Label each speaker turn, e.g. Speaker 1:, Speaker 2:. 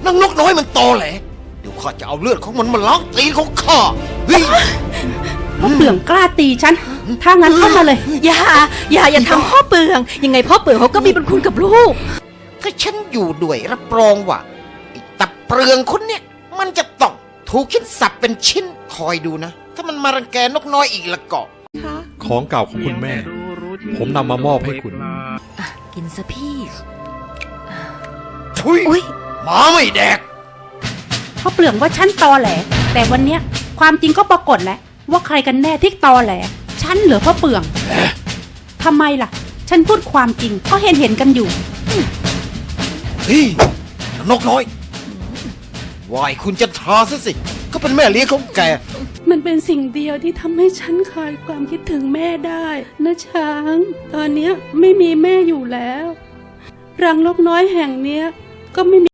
Speaker 1: นางนกน้อยมันตอแหลเดี๋ยวข้าจะเอาเลือดของมันมาล้างตีนของข้าเฮ้ย
Speaker 2: พ่อเปลืองกล้าตีฉันถ้างั้นเข้ามาเลย
Speaker 3: อย่าทำพ่อเปลืองยังไงพ่อเปลืองเขาก็มีบุญคุณกับลูก
Speaker 1: ถ้าฉันอยู่ด้วยรับรองว่าไอ้ตับเปลืองคนเนี่ยมันจะต้องถูกคิดสับเป็นชิ้นคอยดูนะถ้ามันมารังแกนกน้อยอีกละก็
Speaker 4: ของเก่าของคุณแม่ผมนำมามอบให้คุณ
Speaker 3: กินซะพี่
Speaker 1: ทุยหมาไม่แดก
Speaker 2: พ่อเปลืองว่าฉันตอแหลแต่วันเนี้ยความจริงก็ปรากฏแล้วว่าใครกันแน่ที่ตอแหลฉันหรือพ่อเปลืองทำไมล่ะฉันพูดความจริงก็เห็นกันอยู่
Speaker 1: เฮ้ยนกน้อยวายคุณจะทาซะสิก็เป็นแม่เลี้ยงของแก
Speaker 2: มันเป็นสิ่งเดียวที่ทำให้ฉันคลายความคิดถึงแม่ได้นะช้างตอนเนี้ยไม่มีแม่อยู่แล้วรังนกน้อยแห่งเนี้ยก็ไม่มี